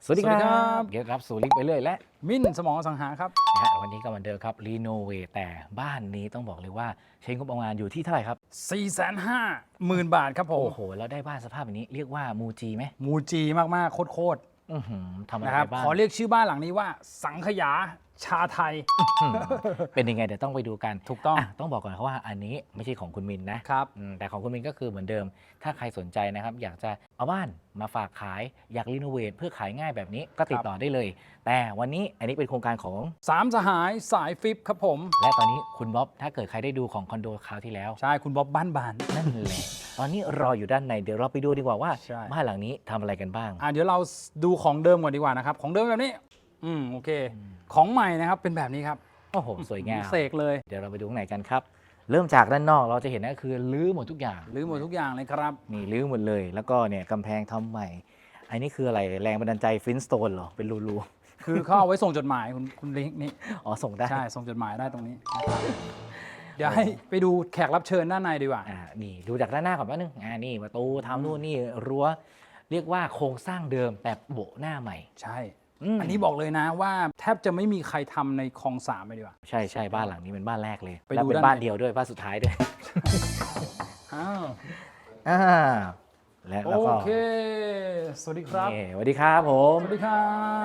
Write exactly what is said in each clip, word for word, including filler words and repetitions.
สวัสดีครับเกียรติรับสู่ลิงก์ไปเรื่อยและมิ้นสมองสังหาครับนะฮะวันนี้ก็เหมือนเดิมครับรีโนเวทแต่บ้านนี้ต้องบอกเลยว่าใช้งบประมาณอยู่ที่เท่าไหร่ครับสี่แสนห้าหมื่น บาทครับผมโอ้โหแล้วได้บ้านสภาพแบบนี้เรียกว่ามูจีไหมมูจีมากๆโคตรอื้อหือทำๆอะไรนะครับบ้างขอเรียกชื่อบ้านหลังนี้ว่าสังขยาชาไทยเป็นยังไงเดี๋ยวต้องไปดูกันถูกต้องะต้องบอกก่อนครับว่าอันนี้ไม่ใช่ของคุณมินนะครับ อืมแต่ของคุณมินก็คือเหมือนเดิม ถ้าใครสนใจนะครับอยากจะเอาบ้านมาฝากขายอยากรีโนเวทเพื่อขายง่ายแบบนี้ก็ติดต่อได้เลย แต่วันนี้อันนี้เป็นโครงการของสามสหายสายฟิปครับผมและตอนนี้คุณบ๊อบถ้าเกิดใครได้ดูของคอนโดคราวที่แล้วใช่คุณบ๊อบบ้านบานนั่นแหละตอนนี้รออยู่ด้านในเดี๋ยวเราไปดูดีกว่าว่าใช่บ้านหลังนี้ทำอะไรกันบ้างอ่ะเดี๋ยวเราดูของเดิมก่อนดีกว่านะครับของเดิมแบบนี้อืมโอเค ของใหม่นะครับเป็นแบบนี้ครับโอ้โหสวยงามเสกเลยเดี๋ยวเราไปดูข้างในกันครับ เริ่มจากด้านนอกเราจะเห็นก็คือรื้อหมดทุกอย่างหรือหมดทุกอย่างเลยครับนี่รื้อหมดเลย แล้วก็เนี่ยกำแพงทำใหม่ อันนี้คืออะไรแรงบันดาลใจฟินสโตนเหรอเป็นรูคือเขาเอาไว้ส่งจดหมายคุณคุณลิงก์นี่ๆอ๋อส่งได้ใช่ส่งจดหมายได้ตรงนี้นะครับเดี๋ยวให้ไปดูแขกรับเชิญด้านในดีกว่าอ่านี่ดูจากด้านหน้าก่อนแป๊บนึงอ่านี่ประตูทำนู่นนี่รั้วเรียกว่าโครงสร้างเดิมแต่โบะหน้าใหม่ใช่มอันนี้บอกเลยนะว่าแทบจะไม่มีใครทำในคลองสามเลยดีกว่าใช่ใช่บ้านหลังนี้เป็นบ้านแรกเลยไปดูแล้วเป็นด้านในบ้านเดียวด้วยบ้านสุดท้ายด้วยอ้าวอ่าและโอแล้วก็เค สวัสดีครับนี่สวัสดีครับผมสวัสดีครับ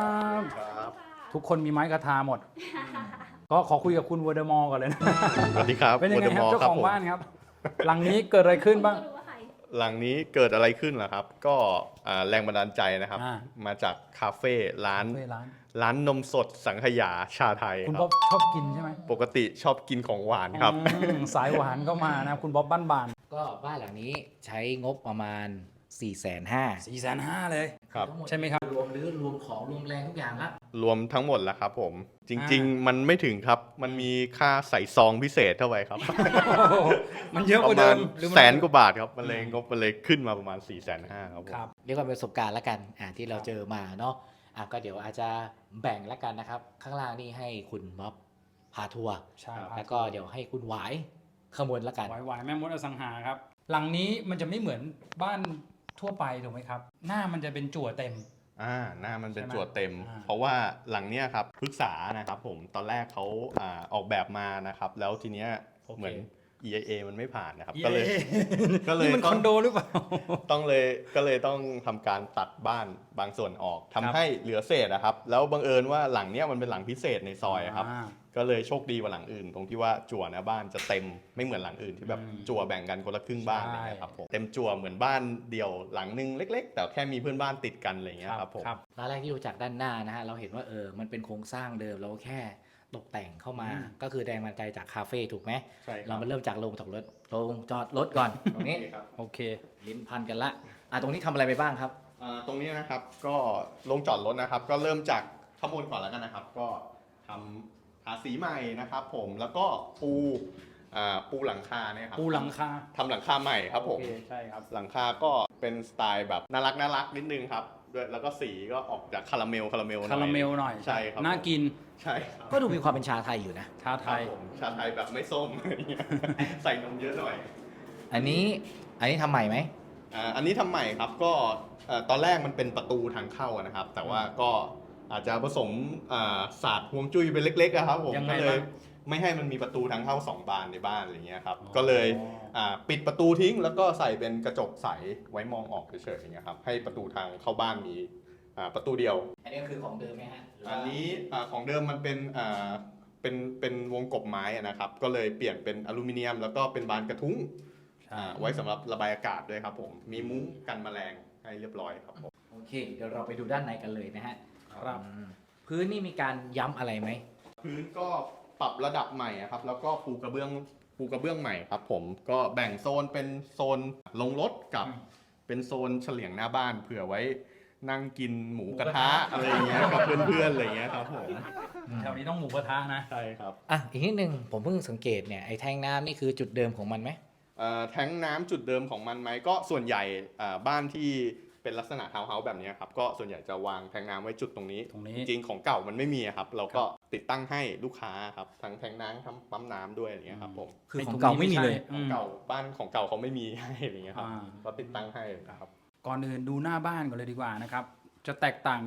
ทุกคนมีไม้กระทาหมด ก็ขอคุยกับคุณวอเดอร์มอร์ก่อนเลยนะสวัสดีครับเป็นยังไงครับวอเจ้าร์ดมของผมบ้านครับ หลังนี้เกิดอะไรขึ้นบ้างหลังนี้เกิดอะไรขึ้นล่ะครับ ก็อ่าแรงบันดาลใจนะครับอ่ามาจากคาเฟ่ร้านเว้ยร้านร้านนมสดสังขยาชาไทยคุณคบ๊รัอบบ ชอบกินใช่ไหมปกติชอบกินของหวานครับอืมสายหวานก็มานะคุณบ๊อบบ้านบานก็บ้านหลังนี้ใช้งบประมาณ4ี่แสนห้าสี่แสนห้าเลยครับใช่ไหมครับรวมหรือรวมของรวมแรงทุกอย่างละรวมทั้งหมดแล้วครับผม จริงอ่าๆ มันไม่ถึงครับ มันมีค่าใส่ซองพิเศษเท่าไหร่ครับโอ้โหมันเยอะปกว่าระเดิมาณมหรือมันแสนกว่าบาทครับ มันเลยงบมันเลยขึ้นมาประมาณ4ี่แสนห้าครับผมครับเรียกว่าเป็นประสบการณ์ละกันอ่าที่เราเจอมาเนาะอ่ะก็เดี๋ยวอาจจะแบ่งละกันนะครับ ข้างล่างนี่ให้คุณบ๊อบพาทัวร์ใช่แล้วก็เดี๋ยวให้คุณหวายขมวลละกันวายวายแม่มดอสังหาครับ หลังนี้มันจะไม่เหมือนบ้านทั่วไปถูกไหมครับ หน้ามันจะเป็นจั่วเต็มอ่าหน้ามันเป็นใช่ไหมจั่วเต็มอ่าเพราะว่าหลังเนี้ยครับปรึกษานะครับผมตอนแรกเขาอ่าออกแบบมานะครับ แล้วทีเนี้ยเหมือน อี ไอ เอ มันไม่ผ่านนะครับ ก็เลย ก็เลยนี่มันคอนโดหรือเปล่าต้องเลยก็เลยต้องทำการตัดบ้านบางส่วนออกทำครับให้เหลือเศษนะครับ แล้วบังเอิญว่าหลังเนี้ยมันเป็นหลังพิเศษในซอยครับาก็เลยโชคดีกว่าหลังอื่น ตรงที่ว่าจั่วหนะบ้านจะเต็มไม่เหมือนหลังอื่นที่แบบอืมจั่วแบ่งกันคนละครึ่งบ้านใช่อะไรเงี้ยครับผมเต็มจั่วเหมือนบ้านเดี่ยวหลังนึงเล็ก ๆ แต่แค่มีเพื่อนบ้านติดกันอะไรเงี้ยครับผมครับตอนแรกที่ดูจากด้านหน้านะฮะเราเห็นว่าเออมันเป็นโครงสร้างเดิมเราแค่ตกแต่งเข้ามาอืมก็คือแรงบันดาลใจจากคาเฟ่ถูกไหมใช่คเรารับมาเริ่มจากโรงจอดรถโรงจอดรถก่อน ตรงนี้ครับโอเคลิ้นพันกันละอ่ะตรงนี้ทำอะไรไปบ้างครับอ่าตรงนี้นะครับก็ลงจอดรถนะครับ ก็เริ่มจากข้างบนก่อนแล้วกันนะครับ ก็ทำทาสีใหม่นะครับผมแล้วก็ปูอ่าปูหลังคาเนี่ยครับปูหลังคาทำหลังคาใหม่ครับผมโอเคใช่ครับหลังคาก็เป็นสไตล์แบบน่ารักน่ารักนิดนึงครับด้วยแล้วก็สีก็ออกจากคาราเมลคาราเมลหน่อยคาราเมลหน่อยใช่ครับน่ากินใช่ครับก็ดูมีความเป็นชาไทยอยู่นะชาไทครับยผมชาไทยแบบไม่ส้ม อะไรเงี้ยใส่นมเยอะหน่อยอันนี้อันนี้ทำใหม่ไหมอ่าอันนี้ทำใหม่ครับก็เอ่อตอนแรกมันเป็นประตูทางเข้าอะนะครับ แต่ว่าก็อาจจะผสมอ่าศาสตร์ฮวงจุ้ยไปเล็กๆอะครับผมยังไงก็เลยบ้างไม่ให้มันมีประตูทางเข้าสองบานในบ้านอะไรเงี้ยครับอ๋อก็เลยอ่าปิดประตูทิ้ง แล้วก็ใส่เป็นกระจกใสไว้มองออกเฉยๆอย่างเงี้ยครับให้ประตูทางเข้าบ้านมีอ่าประตูเดียวอันนี้ก็คือของเดิมไหมฮะหรืว่าอันนี้อ่าของเดิมมันเป็นอ่าเป็นเป็นวงกบไม้อะนะครับ ก็เลยเปลี่ยนเป็นอลูมิเนียม แล้วก็เป็นบานกระทุ้งใช่อ่าไว้สำหรับระบายอากาศด้วยครับผมมีมุ้งกันแมลงให้เรียบร้อยครับผมโอเค เดี๋ยวเราไปดูด้านในกันเลยนะฮะครับอืมพื้นนี่มีการย้ำอะไรไหมพื้นก็ปรับระดับใหม่อะครับ แล้วก็ปูกระเบื้องปูกระเบื้องใหม่ครับผมก็แบ่งโซนเป็นโซนลงรถกับอืมเป็นโซนเฉลียงหน้าบ้านเผื่อไว้นั่งกินหมูกระทะหมูกระทะอะไรอย่างเงี้ยกับเพื่อนๆอะไรอย่างเงี้ยครับผมแถวนี้ต้องหมูกระทะนะใช่ครับอ่ะอีกนิดนึงผมเพิ่งสังเกตเนี่ยไอ้แท่งน้ำนี่คือจุดเดิมของมันไหมเอ่อแท้งน้ำจุดเดิมของมันไหมก็ส่วนใหญ่อ่าบ้านที่เป็นลักษณะทาวน์เฮาส์แบบนี้ครับก็ส่วนใหญ่จะวางแท้งน้ำไว้จุดตรงนี้ตรงนี้จริงๆของเก่ามันไม่มีอะครับ เราก็ติดตั้งให้ลูกค้าครับทั้งแท้งน้ำทั้งปั๊มน้ำด้วยอย่างเงี้ยครับผมคือของเก่าไม่มีเลยอืของเก่าบ้านของเก่าเขาไม่มีให้อะไรเงี้ยครับอ่าก็ติดตั้งให้ครับก่อนอื่นดูหน้าบ้านก่อนเลยดีกว่านะครับ จะแตกต่างจาก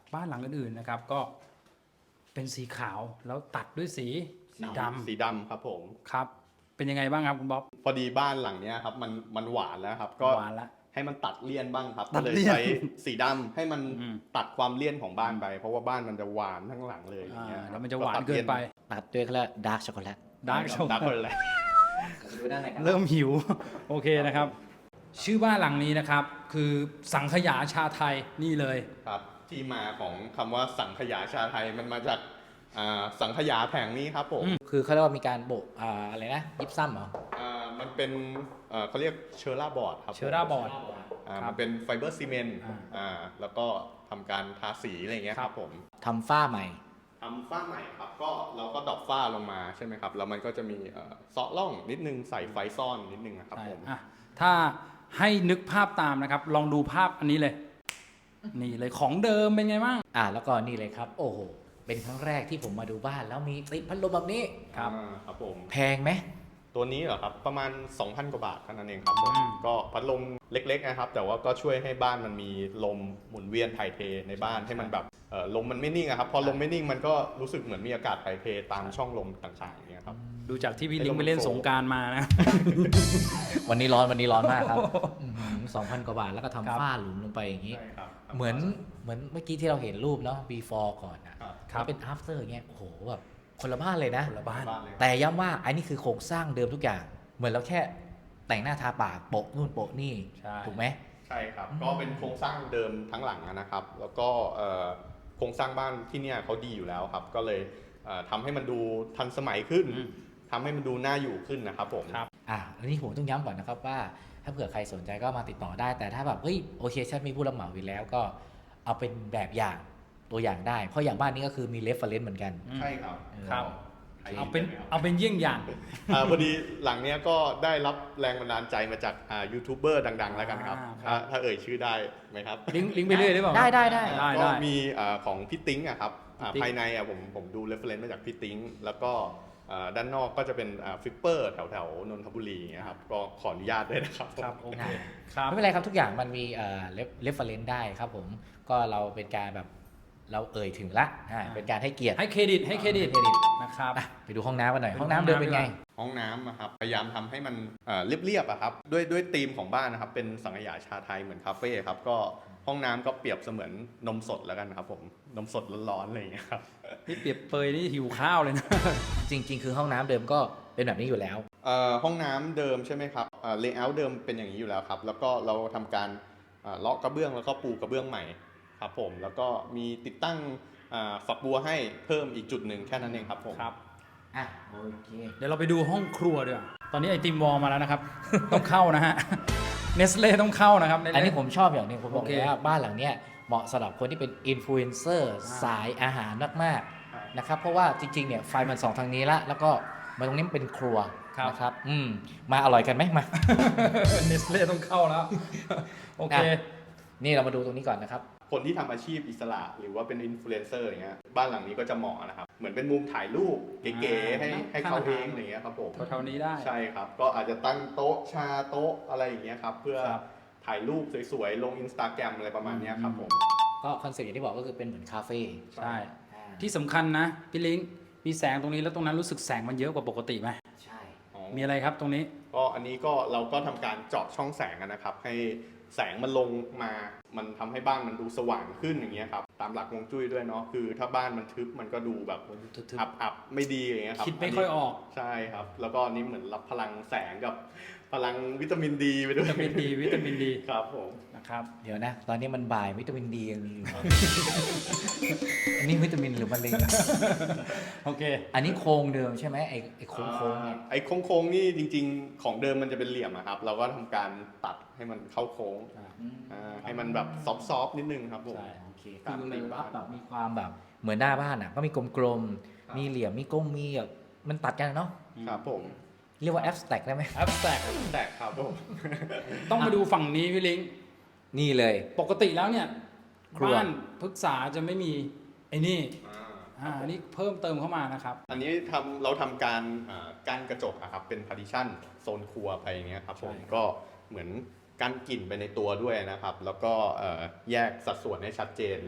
บ้านหลังอื่นๆนะครับก็เป็นสีขาวแล้วตัดด้วยสีดำสีดำครับผมครับเป็นยังไงบ้างครับคุณบ๊อบพอดีบ้านหลังเนี้ยครับมันมันหวานแล้วครับก็หวานละให้มันตัดเลี่ยนบ้างครับตัก็ดเลยเลี่ยนใช้สีดำให้มันอืมตัดความเลี่ยนของบ้านไป เพราะว่าบ้านมันจะหวานทั้งหลังเลยอย่างเงี้ยอ่าคแล้รับวมันจะหวานเกินไปตัดด้วยเขาเรียกดาร์กช็อกโกแลตดาร์กช็อกดาร์กคนแหละดูด้านในกันเริ่มหิว โอเคนะครับ ชื่อบ้านหลังนี้นะครับ คือสังขยาชาไทยนี่เลยครับที่มาของคำว่าสังขยาชาไทยมันมาจากอ่าสังขยาแผงนี้ครับผมคือเขาเรียกว่ามีการโบกอ่าอะไรนะยิปซัมเหรออ่ามันเป็นเอ่อเขาเรียกเชอร่าบอร์ดครับผมเชอร่าบอร์ดอ่าครับมันเป็นไฟเบอร์ซีเมนต์อ่าอ่าแล้วก็ทำการทาสีอะไรอย่างเงี้ยครับผมทำฝ้าใหม่ทำฝ้าใหม่ครับก็เราก็ดรอปฝ้าลงมาใช่ไหมครับแล้วมันก็จะมีเอ่อเซาะร่องนิดนึงใส่ไฟซ่อนนิดนึงนะครับใช่ผมอ่ะถ้าให้นึกภาพตามนะครับ ลองดูภาพอันนี้เลย นี่เลยของเดิมเป็นไงบ้างอ่าแล้วก็นี่เลยครับ โอ้โห เป็นครั้งแรกที่ผมมาดูบ้านแล้วมีติดพัดลมแบบนี้ครับอ่าครับผมแพงไหมตัวนี้เหรอครับประมาณ สองพัน กว่าบาทเท่านั้นเองครับผมอืมก็พัดลมเล็กๆนะครับ แต่ว่าก็ช่วยให้บ้านมันมีลมหมุนเวียนถ่ายเทในบ้านให้มันแบบเอ่อลมมันไม่นิ่งอะครับพอลมไม่นิ่งมันก็รู้สึกเหมือนมีอากาศถ่ายเทตามช่องลมต่างๆอย่างเงี้ยครับดูจากที่พี่ลิงไปเล่นสงกรารมานะวันนี้ร้อนวันนี้ร้อนมากครับสองพันกว่าบาทแล้วก็ครับทำฝ้าหลุมลงไปอย่างนี้ใช่ครับเหมือนเหมือนเมื่อกี้ที่เราเห็นรูปเนาะ before ก่อนอะครับครับแล้วเป็น after อย่างเงี้ยโอ้โหแบบคนละบ้านเลยนะคนละบ้านบ้านเลยแต่ย้ำว่าอันนี้คือโครงสร้างเดิมทุกอย่าง เหมือนเราแค่แต่งหน้าทาปากโปะนู่นโปะนี่ใช่ถูกไหมใช่ครับอืมก็เป็นโครงสร้างเดิมทั้งหลังนะครับ แล้วก็เอ่อโครงสร้างบ้านที่เนี่ยเขาดีอยู่แล้วครับ ก็เลยเอ่อทำให้มันดูทันสมัยขึ้นอืมทำให้มันดูน่าอยู่ขึ้นนะครับผมครับอ่ะอันนี้ผมต้องย้ำก่อนนะครับว่า ถ้าเผื่อใครสนใจก็มาติดต่อได้ แต่ถ้าแบบเฮ้ยโอเคฉันมีผู้รับเหมาอยู่แล้วก็เอาเป็นแบบอย่างตัวอย่างได้ เพราะอย่างบ้านนี้ก็คือมีเรฟเฟรนซ์เหมือนกันใช่ครับครับใครเอาเป็นห็นไหมครับเอาเป็นเยี่ยงอย่างอ่าพอดีหลังเนี้ยก็ได้รับแรงบันดาลใจมาจากอ่ายูทูบเบอร์ดัง ๆ แล้วกันครับอ่าครับถ้าถ้าเอ่ยชื่อได้ไหมครับลิงก์ลิงก์ไปเรื่อยได้เปล่าได้ได้ได้ได้ก็ได้มีอ่าของพี่ติ๊งอะครับอ่าพี่ติ๊งภายในอะผมผมดูเรฟเฟรนซ์มาจากพี่ติ๊งแล้วก็อ่าด้านนอกก็จะเป็นฟิปเปอร์แถวแถวๆนนทบุรีอย่างเงี้ยครับก็ขออนุญาตด้วยนะครับครับโอเคอ่าครับไม่เป็นไรครับทุกอย่างมันมีเอ่อเรฟเฟรนซ์ได้ครับผมก็เราเป็นการแบบเราเอ่ยถึงละอ่าเป็นการให้เกียรติให้เครดิตให้เครดิตให้เครดิตนะครับอ่ะไปดูห้องน้ำกันหน่อยไปดูห้องน้ำเดิมเป็นไงห้องน้ำดีกว่าห้องน้ำอะครับพยายามทำให้มันเอ่อเรียบๆอะครับด้วยด้วยธีมของบ้านนะครับเป็นสังขยาชาไทยเหมือนคาเฟ่ครับก็ห้องน้ำก็เปรียบเสมือนนมสดแล้วกันครับผมนมสดร้อนๆอะไรอย่างเงี้ยครับนี่เปรียบเปยนี่หิวข้าวเลยนะจริง ๆ คือห้องน้ำเดิมก็เป็นแบบนี้อยู่แล้วเอ่อห้องน้ำเดิมใช่ไหมครับเอ่อเลเยอร์เดิมเป็นอย่างนี้อยู่แล้วครับแล้วก็เราทำการเอ่อเลาะกระเบื้องแล้วก็ปูกระเบื้องใหม่ครับผมแล้วก็มีติดตั้งอ่าฝักบัวให้เพิ่มอีกจุดหนึ่งแค่นั้นเองครับผมครับอ่ะโอเคเดี๋ยวเราไปดูห้องครัวดีกว่าตอนนี้ไอติมวอลมาแล้วนะครับ ต้องเข้านะฮะ เนสเล่ต้องเข้านะครับอันนี้ผมชอบอย่างหนึงผมบอกโอเคเลยว่าบ้านหลังเนี้ยเหมาะสำหรับคนที่เป็นอินฟลูเอนเซอร์อ่าสายอาหารมากๆนะครับเพราะว่าจริงๆเนี่ยไฟมันสองทางนี้ละแล้วก็มาตรงนี้มันเป็นครัวนะครับอืมมาอร่อยกันไหมมาเนสเล่ต้องเข้าแล้ว โอเคอ่ะ นี่เรามาดูตรงนี้ก่อนนะครับคนที่ทำอาชีพอิสระหรือว่าเป็นอินฟลูเอนเซอร์อย่างเงี้ยบ้านหลังนี้ก็จะเหมาะนะครับเหมือนเป็นมุมถ่ายรูปเก๋ๆให้ให้เขาเองอะไรอย่างเงี้ยครับผมแถวๆนี้ได้ใช่ครับ ก็อาจจะตั้งโต๊ะชาโต๊ะอะไรอย่างเงี้ยครับ เพื่อครับถ่ายรูปสวยๆ ลงอินสตาแกรมอะไรประมาณเนี้ยครับผมก็คอนเซ็ปต์อย่างที่บอกก็คือเป็นเหมือนคาเฟ่ใช่อ่าที่สำคัญนะพี่ลิงมีแสงตรงนี้แล้วตรงนั้นรู้สึกแสงมันเยอะกว่าปกติไหมใช่มีอะไรครับตรงนี้ก็อันนี้ก็เราก็ทำการเจาะช่องแสงอะนะครับ ให้แสงมันลงมา มันทำให้บ้านมันดูสว่างขึ้นอย่างเงี้ยครับ ตามหลักฮวงจุ้ยด้วยเนาะ คือถ้าบ้านมันทึบมันก็ดูแบบทึบอับอับๆไม่ดีอย่างเงี้ยครับคิดไม่ค่อยออกใช่ครับ แล้วก็อันนี้เหมือนรับพลังแสงกับพลังวิตามินดีไปด้ววิยตามินดีวิตามินดีครับผมนะครับๆเดี๋ยวนะ ตอนนี้มันบ่ายวิตามินดียังมีอยู่ อันนี้วิตามินหรือมะเร็งโอเคอันนี้โครงเดิมใช่ไหมไอ้ไอ้โครงโค้งๆเนี่ยอ่าไอ้โค้งๆนี่จริงๆ ของเดิมมันจะเป็นเหลี่ยมอะครับ เราก็ทำการตัดให้มันเข้าโค้งอ่าให้มันแบบซอฟๆนิดนึงครับผมใช่โอเคตามคือธีเลยมว่าบ้านแบบมีความแบบเหมือนหน้าบ้านอ่ะก็มีกลมครับๆมีเหลี่ยมมีก้มมีแบบมันตัดกันเนาะครับผมเรียกว่าแอปสแต็กได้ไหมแอปแตกแตกครับผมต้องมาดูฝั่งนี้พี่ลิงนี่เลยปกติแล้วเนี่ยครัวบ้านพฤกษาจะไม่มีไอ้นี่อ่าอันนี้เพิ่มเติมเข้ามานะครับอันนี้ทำเราทำการอ่ากั้นกระจกอะครับเป็น partition โซนครัวไปอย่างเงี้ยครับผมใช่ครับก็เหมือนกั้นกลิ่นไปในตัวด้วยนะครับ แล้วก็เอ่อแยกสัดส่วนให้ชัดเจน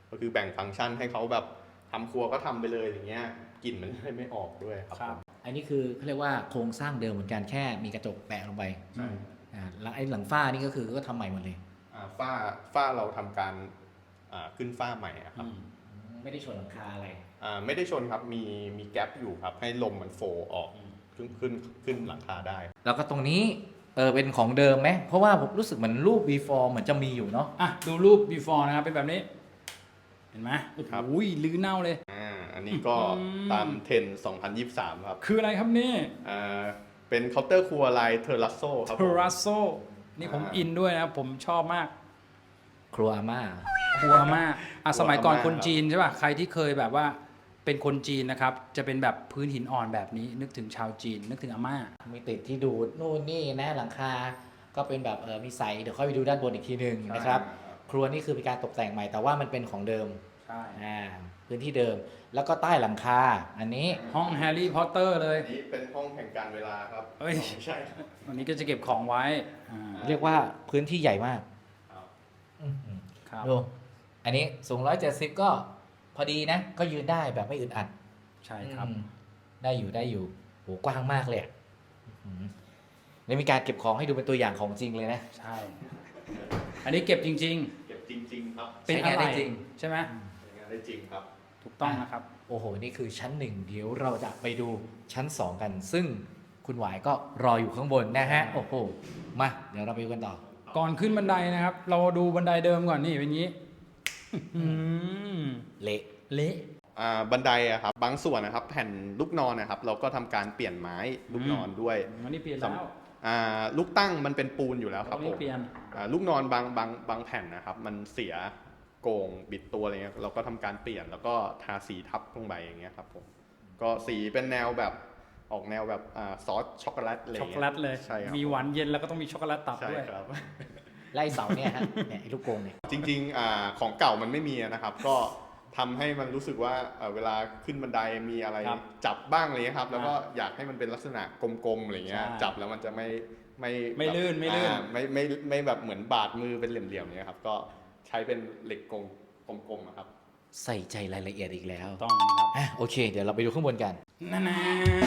ก็คือแบ่งฟังก์ชันให้เขาแบบทำครัวก็ทำไปเลยอย่างเงี้ยกลิ่นมันไม่ออกด้วยครับครับอันนี้คือเขาเรียกว่าโครงสร้างเดิมเหมือนกันแค่มีกระจกแปะลงไปใช่อ่าแล้วไอ้หลังฝ้านี่ก็คือก็ทำใหม่หมดเลยอ่าฝ้าฝ้าเราทำการอ่าขึ้นฝ้าใหม่อะครับไม่ได้ชนหลังคาอะไรอ่าไม่ได้ชนครับมีมีแกลบอยู่ครับให้ลมมันโฟออกขึ้นขึ้นขึ้นหลังคาได้แล้วก็ตรงนี้เออเป็นของเดิมไหมเพราะว่าผมรู้สึกเหมือนรูป before เหมือนจะมีอยู่เนาะอ่ะดูรูป before นะครับเป็นแบบนี้ เห็นไหมครับโอ้ยลื้อเน่าเลยอ่าอันนี้ก็อืมตามเทรนด์สองพันยี่สิบสามครับคืออะไรครับนี่อ่าเป็นเคาน์เตอร์ครัวลายเทอร์รัสโซครับเทผมรัสโซนี่ผมอ่าอินด้วยนะครับผมชอบมากครัวอาม่าครัวมากอ่ะครัวสมัยก่อนอาม่าคนจีนใช่ป่ะใครที่เคยแบบว่าเป็นคนจีนนะครับจะเป็นแบบพื้นหินอ่อนแบบนี้ นึกถึงชาวจีน นึกถึงอาม่ามีติดที่ดูดนู่นนี่นะหลังคา ก็เป็นแบบเออมีใสเดี๋ยวค่อยไปดูด้านบนอีกทีหนึ่งนะครับ ครัวนี่คือเป็นการตกแต่งใหม่แต่ว่ามันเป็นของเดิมใช่อ่าพื้นที่เดิมแล้วก็ใต้หลังคา อันนี้ห้องแฮร์รี่พอตเตอร์เลยอันนี้เป็นห้องแห่งการเวลาครับเอ้ยไม่ใช่ครับวันนี้ก็จะเก็บของไว้อ่าเรียกว่าพื้นที่ใหญ่มากครับอื้อหือครับดูอันนี้สูงหนึ่งร้อยเจ็ดสิบก็พอดีนะ ก็ยืนได้แบบไม่อึดอัดใช่ครับอืมได้อยู่ได้อยู่โหกว้างมากเลยอะอื้อหือแล้วมีการเก็บของให้ดูเป็นตัวอย่างของจริงเลยนะใช่ อันนี้เก็บจริงเก็บจริง ๆ ครับๆ เป็นใช้อะงานไรได้จริงใช่ไหมใช้งานได้จริงครับถูกต้องนะครับโอ้โห นี่คือชั้นหนึ่งเดี๋ยวเราจะไปดูชั้นสองกัน ซึ่งคุณหวายก็รออยู่ข้างบนนะฮะ โอ้โห มา เดี๋ยวเราไปดูกันต่อก่อนขึ้นบันไดนะครับ เราดูบันไดเดิมก่อนนี่เป็นอย่างนี้อื้อหือเละเละอ่าบันไดอะครับบางส่วนนะครับแผ่นลูกนอนนะครับเราก็ทำการเปลี่ยนไม้ลูกนอนด้วยอันนี้เปลี่ยนแล้วอ่าลูกตั้งมันเป็นปูนอยู่แล้วคอัรับนผนี้มเปลี่ยนอ่าลูกนอนบางบางบางแผ่นนะครับมันเสียโก่งบิดตัวอะไรเงี้ยเราก็ทำการเปลี่ยนแล้วก็ทาสีทับลงไปอย่างเงี้ยครับผมก็สีเป็นแนวแบบออกแนวแบบอ่าซอสช็อกโกแลตอะไรช็อกเงี้โกแลตเลยใช่ครับมีหวานเย็นแล้วก็ต้องมีช็อกโกแลตตับใช่ด้วยครับไล่เสาเนี่ยฮะ เนี่ยไอ้ลูกกรงเนี่ยจริงๆอ่าของเก่ามันไม่มีนะครับ ก็ทำให้มันรู้สึกว่าเอ่อเวลาขึ้นบันไดมีอะไรครับจับบ้างอะไรเลยครับ แล้วก็อ่าอยากให้มันเป็นลักษณะกลมๆอะไรเงี้ยใช่จับแล้วมันจะไม่ไม่ไม่แบบลื่นไม่ลื่นอ่าไม่ไม่ไม่แบบเหมือนบาดมือเป็นเหลี่ยมๆเนี้ยครับก็ใช้เป็นเหล็กกลมกลมๆอะครับใส่ใจรายละเอียดอีกแล้วต้องนะครับอ่ะโอเค เดี๋ยวเราไปดูข้างบนกันนั่นนะ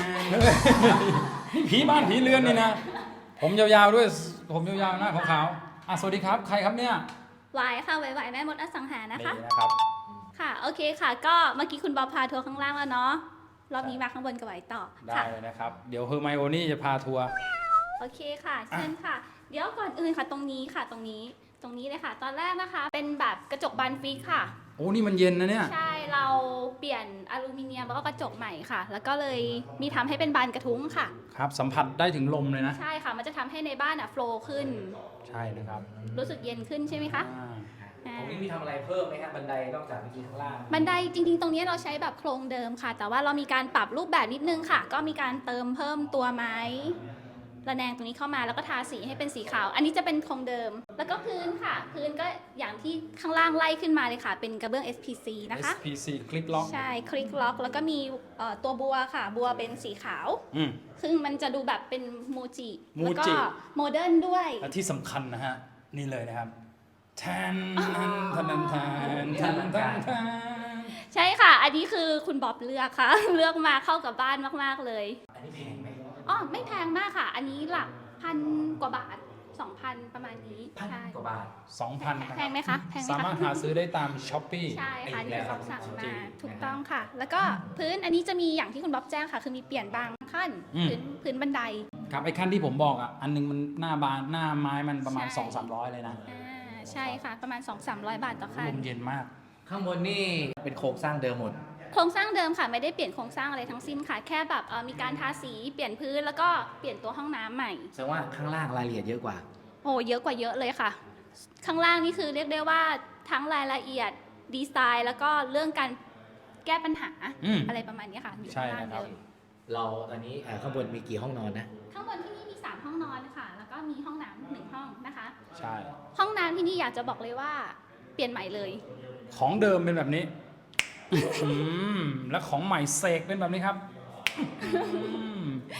นี่ผีบ้านผีเรือนนี่นะ ผมยาวๆด้วย ผมยาวๆหน้าขาวๆอ่ะสวัสดีครับ ใครครับเนี่ยวายค่ะวายวายแม่มดอสังหานะคะนี่นะครับค่ะ โอเคค่ะ ก็เมื่อกี้คุณบอบพาทัวร์ข้างล่างแล้วเนาะ รอบนี้มาข้างบนกับไหวต่อได้ค่ะเลยนะครับ เดี๋ยวเฮอร์ไมโอนี่จะพาทัวร์โอเคค่ะ เชิญค่ะ เดี๋ยวก่อนอื่นค่ะ ตรงนี้ค่ะ ตรงนี้ ตรงนี้เลยค่ะ ตอนแรกนะคะ เป็นแบบกระจกบานฟิกค่ะโอ้นี่มันเย็นนะเนี่ยใช่ เราเปลี่ยนอลูมิเนียมแล้วก็กระจกใหม่ค่ะ แล้วก็เลยมีทำให้เป็นบานกระทุ้งค่ะครับ สัมผัสได้ถึงลมเลยนะใช่ค่ะ มันจะทำให้ในบ้านอ่ะโฟล์ขึ้นใช่นะครับรู้สึกเย็นขึ้นใช่ไหมคะอ่าอ่าตรงนี้มีทำอะไรเพิ่มไหมฮะบันไดนอกจากเมื่อกี้ข้างล่างบันไดจริงๆ ตรงนี้เราใช้แบบโครงเดิมค่ะ แต่ว่าเรามีการปรับรูปแบบนิดนึงค่ะ ก็มีการเติมเพิ่มตัวไม้ระแนงตรงนี้เข้ามาแล้วก็ทาสีให้เป็นสีขาว อันนี้จะเป็นโครงเดิม แล้วก็พื้นค่ะ พื้นก็อย่างที่ข้างล่างไล่ขึ้นมาเลยค่ะ เป็นกระเบื้อง เอส พี ซี นะคะเอส พี ซี คลิปล็อกใช่ คลิกล็อก แล้วก็มีเอ่อตัวบัวค่ะ บัวเป็นสีขาวอืมซึ่งมันจะดูแบบเป็นโมจิโมแล้วก็จิโมเดิร์นด้วยและที่สำคัญนะฮะ นี่เลยนะครับแทนแทนแทนแทนแทนแทนใช่ค่ะ อันนี้คือคุณบ๊อบเลือกค่ะ เลือกมาเข้ากับบ้านมากๆเลยอันนี้แพงไหมอ๋อ ไม่แพงมากค่ะ อันนี้หลักพันกว่าบาทสองพันประมาณนี้พันใช่กว่าบาทสองพันแพงไหมคะแพงไหมสามารถคะหาซื้อได้ตามช้อปปี้ใช่ค่ะอีกที่แล้วเราสั่งจริมาง ถูกต้องค่ะ แล้วก็พื้นอันนี้จะมีอย่างที่คุณบ๊อบแจ้งค่ะ คือมีเปลี่ยนบางขั้นอืมพื้นพื้นบันไดครับไอ้ขั้นที่ผมบอกอ่ะ อันหนึงมันหน้าบานหน้าไม้มันประมาณใช่สองสามร้อยเลยนะอ่าใช่ค่ะ ประมาณ สองถึงสามร้อย บาทต่อลขั้นมเย็นมากข้างบนนี่เป็นโครงสร้างเดิมหมดโครงสร้างเดิมค่ะ ไม่ได้เปลี่ยนโครงสร้างอะไรทั้งสิ้นค่ะ แค่แบบเอ่อมีการทาสีเปลี่ยนพื้นแล้วก็เปลี่ยนตัวห้องน้ำใหม่แสดงว่าข้างล่างรายละเอียดเยอะกว่าโอ้เยอะกว่าเยอะเลยค่ะ ข้างล่างนี่คือเรียกได้ว่าทั้งรายละเอียดดีไซน์ แล้วก็เรื่องการแก้ปัญหาอืมอะไรประมาณนี้ค่ะอยู่ใช่ข้างล่างนะครับเยอะเราตอนนี้เอ่อข้างบนมีกี่ห้องนอนนะข้างบนที่นี่มีสามห้องนอนค่ะ แล้วก็มีห้องน้ำหนึ่งห้องนะคะใช่ห้องน้ำที่นี่อยากจะบอกเลยว่าเปลี่ยนใหม่เลยของเดิมเป็นแบบนี้อืมและของใหม่เสกเป็นแบบนี้ครับอืม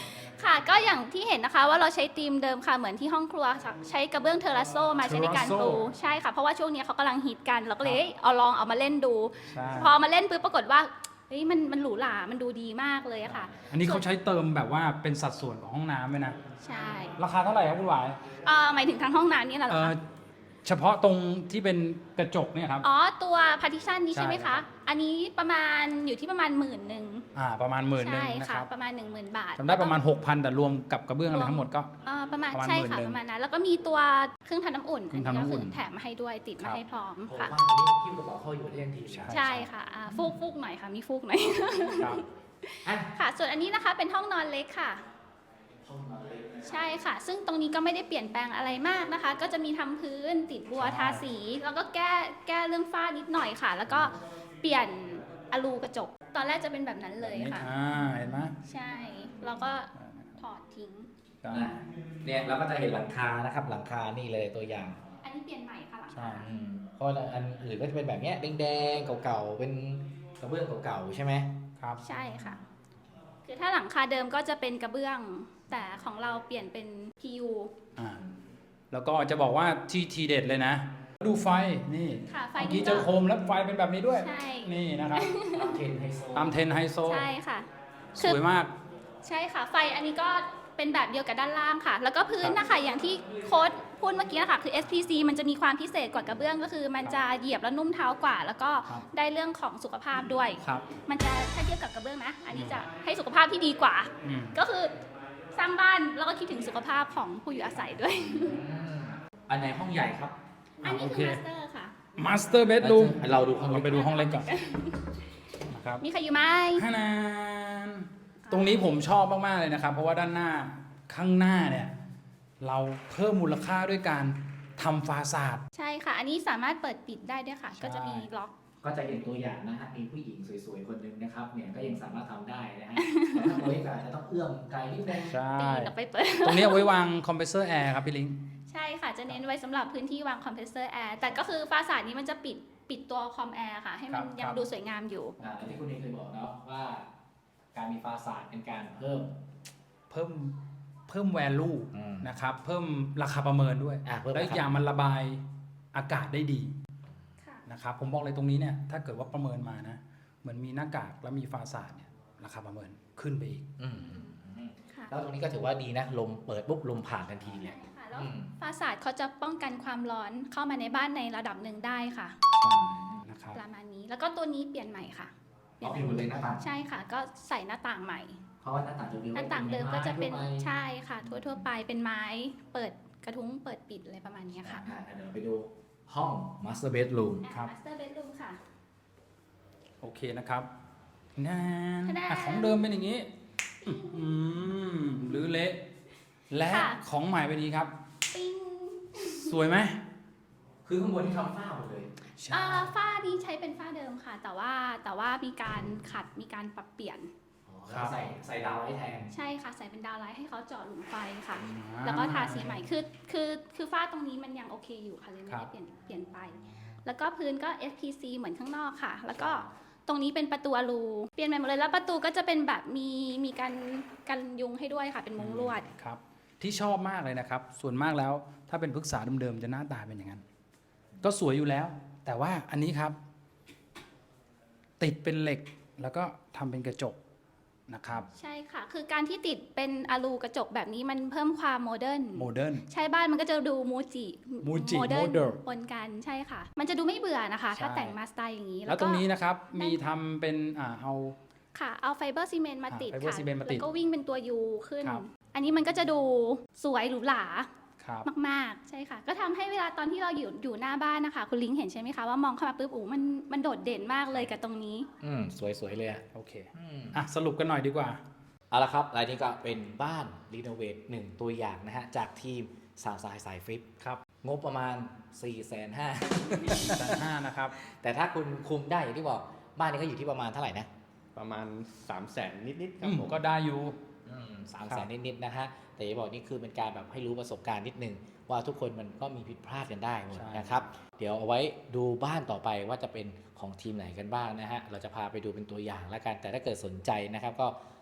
ค่ะก็อย่างที่เห็นนะคะว่าเราใช้ธีมเดิมค่ะเหมือนที่ห้องครัวค่ะใช้กระเบื้องเทอราโซมาใช้ในการปูใช่ค่ะเพราะว่าช่วงนี้เขากำลังฮิตกันเราก็เลยเอาลองเอามาเล่นดู พอมาเล่นปุ๊บปรากฏว่าเฮ้ยมันมันหรูหรามันดูดีมากเลยอะค่ะอันนี้เขาใช้เติมแบบว่าเป็นสัดส่วนของห้องน้ำไหมนะใช่ราคาเท่าไหร่ครับคุณหวายเอ่อหมายถึงทางห้องน้ำนี่แหละเหรเอ่ออคะเฉพาะตรงที่เป็นกระจกเนี่ยครับอ๋อตัวพาร์ติชันนี้ใช่ไหมใช่ครัคะบอันนี้ประมาณอยู่ที่ประมาณหมื่นหนึ่งอ่าประมาณหมื่นหนึ่งใช่นะคค่ะรับประมาณหนึ่งหมื่นบาทจำได้ประมาณ หกพัน แต่รวมกับกระเบื้องอะไรทั้งหมดก็เอ่อประมาณประมาณใช่ค่ะหมื่นหนึ่งประมาณนั้นแล้วก็มีตัวเครื่องทำน้ำอุ่นเครื่องทำน้ำอุ่นก็คือแถมมาให้ด้วยติดครัมาบให้พร้อมโอ้ค่ะบ้านนี้คิ้วกระเป๋าเข้าอยู่ได้ทันทีใช่ใช่ค่ะอ่าฟูกฟูกหน่อยค่ะมีฟูกหน่อยครับอ่ะค่ะ ส่วนอันนี้นะคะเป็นห้องนอนเล็กค่ะห้องนอนเล็กนะใช่ค่ะ ซึ่งตรงนี้ก็ไม่ได้เปลี่ยนแปลงอะไรมากนะคะ ก็จะมีทำพื้นติดบัวทาสี แล้วก็แก้แก้เรื่องฝ้านิดหน่อยค่ะ แล้วก็เปลี่ยนอลูกระจก ตอนแรกจะเป็นแบบนั้นเลยค่ะอ่าเห็นไหมใช่ แล้วก็ถอดทิ้งใช่อ่ะเนี่ยเราก็จะเห็นหลังคานะครับหลังคานี่เลยตัวอย่างอันนี้เปลี่ยนใหม่ค่ะหลังใช่คาอืมเพราะอันอื่นก็จะเป็นแบบเนี้ยแดงๆเก่าๆเป็นกระเบื้องเก่าๆใช่ไหมครับใช่ค่ะ คือถ้าหลังคาเดิมก็จะเป็นกระเบื้อง แต่ของเราเปลี่ยนเป็น พี ยูอ่าแล้วก็จะบอกว่าที่ทีเด็ดเลยนะ ดูไฟนี่ค่ะไฟเมื่อนี้กี้ก็เจอโคมแล้วไฟเป็นแบบนี้ด้วยใช่นี่นะครับตามเทรนด์ไฮโซตามเทรนด์ไฮโซใช่ค่ะสวยมากใช่ค่ะ ไฟอันนี้ก็เป็นแบบเดียวกับด้านล่างค่ะ แล้วก็พื้นนะคะอย่างที่โค้ดพูดเมื่อกี้นะคะคือ เอส พี ซี มันจะมีความพิเศษกว่ากระเบื้องก็คือ มันจะเหยียบแล้วนุ่มเท้ากว่า แล้วก็ครับได้เรื่องของสุขภาพด้วยครับมันจะถ้าเทียบกับกระเบื้องนะ อันนี้จะให้สุขภาพที่ดีกว่าอืมก็คือสร้างบ้านแล้วก็คิดถึงสุขภาพของผู้อยู่อาศัยด้วยอืมอันไหนห้องใหญ่ครับอันนี้โอคืเคอมาสเตอร์ค่ะมาสเตอร์เบดรูมเราดูห้องเราไปเล็กดูห้องเล็กก่อนนะครับมีใครอยู่ไหมฮานานตรงนี้ผมชอบมาก ๆ เลยนะครับ เพราะว่าด้านหน้าข้างหน้าเนี่ย เราเพิ่มมูลค่าด้วยการทำฟาซาดใช่ค่ะ อันนี้สามารถเปิดปิดได้ด้วยค่ะใช่ก็จะมีล็อกก็จะเห็นตัวอย่างนะฮะมีผู้หญิงสวยๆคนหนึ่งนะครับเนี่ยก็ยังสามารถทำได้นะฮะแต่ถ้าตัวเล็กอาจจะต้องเอื้อมไกลนิดนึงใช่ปีนออกไปเปิดตรงนี้เอาไว้วางคอมเพรสเซอร์แอร์ครับพี่ลิงใช่ค่ะ จะเน้นไว้สำหรับพื้นที่วางคอมเพรสเซอร์แอร์ แต่ก็คือฟาสาดนี้มันจะปิดปิดตัวคอมแอร์ค่ะ ให้มันครับยังครับดูสวยงามอยู่อ่าที่คุณเองเคยบอกเนาะว่าการมีฟาสาดเป็นการเพิ่มเพิ่มเพิ่ม value อืมนะครับ เพิ่มราคาประเมินด้วยอ่ะเพิ่มและราอีกคาอย่างมันระบายอากาศได้ดีค่ะนะครับผมบอกเลยตรงนี้เนี่ยถ้าเกิดว่าประเมินมานะเหมือนมีหน้ากากแล้วมีฟาซาดเนี่ยราคาประเมินขึ้นไปอีกอืมอืมอืมค่ะแล้วตรงนี้ก็ถือว่าดีนะลมเปิดปุ๊บลมผ่านทันทีเลยใช่ค่ะ แล้วอืมฟาสาดเขาจะป้องกันความร้อนเข้ามาในบ้านในระดับหนึ่งได้ค่ะนะครับประมาณนี้ แล้วก็ตัวนี้เปลี่ยนใหม่ค่ะเอาเปลี่ยนหมดเลยหน้าต่างใช่ค่ะ ก็ใส่หน้าต่างใหม่เพราะว่าหน้าต่างเดิมๆหน้าต่างเดิมก็จะเป็นไม้ทั่วไปใช่ค่ะ ทั่วทั่วๆไปเป็นไม้ เปิดกระทุ้งเปิดปิดอะไรประมาณนี้ค่ะอ่ะเดี๋ยวเราไปดูห้อง master bedroom ครับมาสเตอร์เบดรูมค่ะโอเคนะครับนานทะแนนอ่ะของเดิมเป็นอย่างนี้อื้อหือหรือเละและค่ะของใหม่เป็นอย่างนี้ครับปิ้งสวยไหมคือข้างบนที่ทำฝ้าหมดเลยใช่อ่าฝ้านี้ใช้เป็นฝ้าเดิมค่ะ แต่ว่าแต่ว่ามีการขัดมีการปรับเปลี่ยนอ๋อแล้วใส่ใส่ดาวไว้แทนใช่ค่ะ ใส่เป็นดาวไลท์ให้เขาเจาะหลุมไฟค่ะอ่าแล้วก็ทาสีใหม่คือคือคือฝ้าตรงนี้มันยังโอเคอยู่ค่ะเลยไม่ครัได้บเปลี่ยนเปลี่ยนไป แล้วก็พื้นก็ เอส พี ซี เหมือนข้างนอกค่ะ แล้วก็ตรงนี้เป็นประตูอลูเปลี่ยนใหม่หมดเลยแล้วประตูก็จะเป็นแบบมีมีการกันยุงให้ด้วยค่ะ เป็นมุ้งลวดครับ ที่ชอบมากเลยนะครับ ส่วนมากแล้วถ้าเป็นพฤกษาเดิมๆจะหน้าตาเป็นอย่างนั้น ก็สวยอยู่แล้ว แต่ว่าอันนี้ครับ ติดเป็นเหล็กแล้วก็ทำเป็นกระจกนะครับใช่ค่ะ คือการที่ติดเป็นอลูกระจกแบบนี้มันเพิ่มความโมเดิร์นโมเดิร์นใช่บ้านมันก็จะดูมูจิมูจิโมเดิร์น modern ปนกันใช่ค่ะ มันจะดูไม่เบื่อนะคะใช่ถ้าแต่งมาสไตล์อย่างนี้แล้วตรงนี้นะครับมีทำเป็นอ่าเอาค่ะ เอาไฟเบอร์ซีเมนต์มาติดอ่า fiber ค่ะ cement มาติดแล้วก็วิ่งเป็นตัวยูขึ้นครับอันนี้มันก็จะดูสวยหรูหราครับมากๆ ใช่ค่ะ ก็ทำให้เวลาตอนที่เราอยู่อยู่หน้าบ้านนะคะ คุณลิงเห็นใช่ไหมคะว่ามองเข้ามาปุ๊บโอ้มันมันโดดเด่นมากเลยกับตรงนี้อืมสวยๆเลยอ่ะโอเคอืมอ่ะสรุปกันหน่อยดีกว่าเอาละครับรายนี้ก็เป็นบ้านรีโนเวทหนึ่งตัวอย่างนะฮะ จากทีมสาวสายสายฟลิปครับงบประมาณ สี่แสนห้าหมื่นแสนห้านะครับแต่ถ้าคุณคุมได้อย่างที่บอกบ้านนี้ก็อยู่ที่ประมาณเท่าไหร่นะประมาณ3 0 0แสนนิดๆคอืรับมผมก็ได้อยู่สามครัแสบนนิดๆนะฮะแต่จะบอกนี่คือเป็นการแบบให้รู้ประสบการณ์นิดนึงว่าทุกคนมันก็มีผิดพลาดกันได้หมดใช่นะครับ เดี๋ยวเอาไว้ดูบ้านต่อไปว่าจะเป็นของทีมไหนกันบ้างนะฮะเราจะพาไปดูเป็นตัวอย่างแล้วกัน แต่ถ้าเกิดสนใจนะครับก็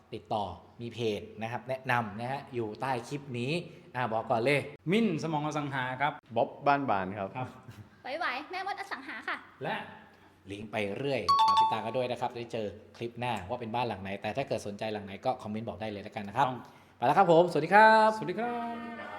ติดต่อมีเพจนะครับแนะนำนะฮะอยู่ใต้คลิปนี้อ่าบอกก่อนเลยมิ้นสมองอสังหาครับบ๊อบบ้านบานครับครับไหวๆแม่มดอสังหาค่ะและลิงก์ไปเรื่อยฝากติดตามกันด้วยนะครับได้เจอคลิปหน้าว่าเป็นบ้านหลังไหน แต่ถ้าเกิดสนใจหลังไหนก็คอมเมนต์บอกได้เลยแล้วกันนะครับต้องไปแล้วครับผม สวัสดีครับสวัสดีครับ